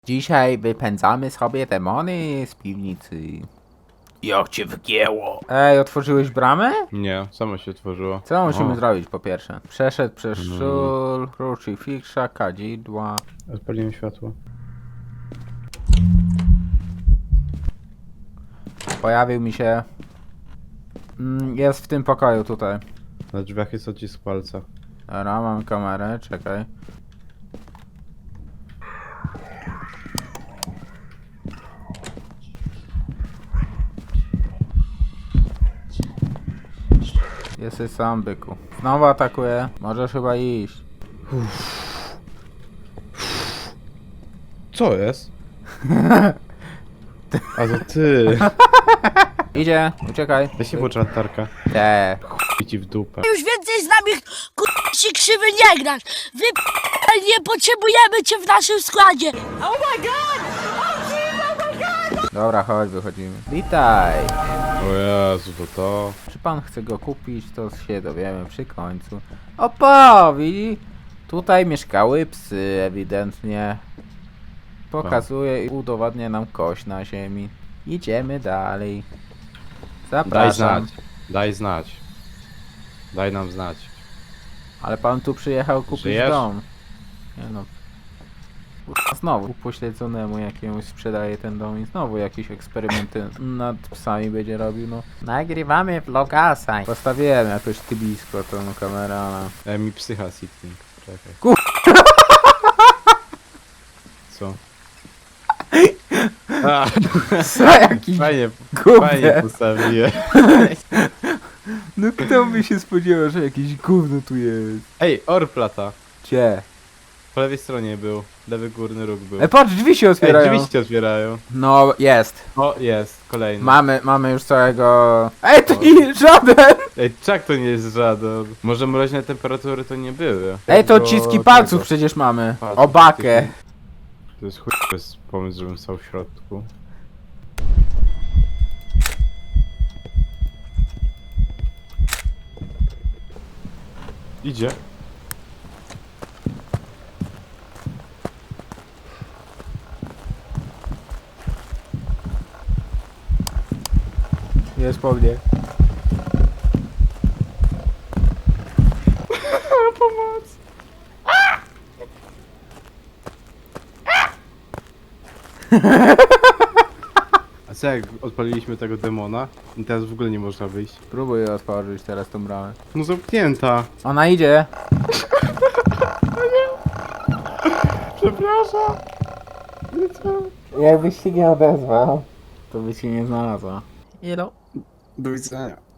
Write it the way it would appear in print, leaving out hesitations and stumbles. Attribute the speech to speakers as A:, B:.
A: Dzisiaj wypędzamy sobie demony z piwnicy. Jak cię wgięło? Ej, otworzyłeś bramę?
B: Nie, samo się otworzyło.
A: Co musimy
B: O.
A: zrobić po pierwsze? Przeszedł przez szul, krucyfiksa, kadzidła.
B: Odpaliłem światło.
A: Pojawił mi się... jest w tym pokoju tutaj.
B: Na drzwiach jest odcisk palca.
A: Dobra, mam kamerę, czekaj. Jesteś sam, byku. Znowu atakuje. Możesz chyba iść.
B: Co jest? A to ty.
A: Idzie, uciekaj.
B: Weź się włącz latarka.
A: Te.
B: I ci w dupę.
C: Już więcej z nami się krzywy nie grasz. Wy nie potrzebujemy cię w naszym składzie.
A: Dobra, chodź, wychodzimy. Witaj.
B: O Jezu, to.
A: Czy pan chce go kupić, to się dowiemy przy końcu. Opo, widzi? Tutaj mieszkały psy, ewidentnie. Pokazuje i udowadnia nam kość na ziemi. Idziemy dalej.
B: Daj
A: Zapraszam.
B: znać. Daj znać. Daj nam znać.
A: Ale pan tu przyjechał kupić
B: Żyjesz?
A: dom. Nie no. Kurwa, znowu upośledzonemu jakiemuś sprzedaje ten dom i znowu jakieś eksperymenty nad psami będzie robił, no. Nagrywamy vlogasa. Postawiłem jakoś ty blisko tą kamerę, ale...
B: Mi psycha sitting. Czekaj. Co? A,
A: Co jakiś
B: fajnie,
A: gówno.
B: fajnie postawiłem.
A: No kto by się spodziewał, że jakieś gówno tu jest?
B: Ej, orplata.
A: Gdzie?
B: Po lewej stronie był. Lewy górny róg był.
A: Patrz, drzwi się
B: Ej,
A: otwierają.
B: drzwi się otwierają.
A: No, jest.
B: O, jest, kolejny.
A: Mamy już całego... Ej, to nie żaden!
B: Ej, czak to nie jest żaden. Może mroźne temperatury to nie były.
A: Ej, to
B: Tego-
A: odciski palców
B: tego.
A: przecież mamy.
B: Palców,
A: Obakę.
B: To jest chuj, to jest pomysł, żebym stał w środku. Idzie.
A: Jest po mnie.
B: Pomoc! A co jak odpaliliśmy tego demona i teraz w ogóle nie można wyjść?
A: Próbuję otworzyć teraz tą bramę.
B: No zamknięta.
A: Ona idzie.
B: Przepraszam.
A: Jakbyś się nie odezwał, to by się nie znalazła. Elo.
B: Do widzenia.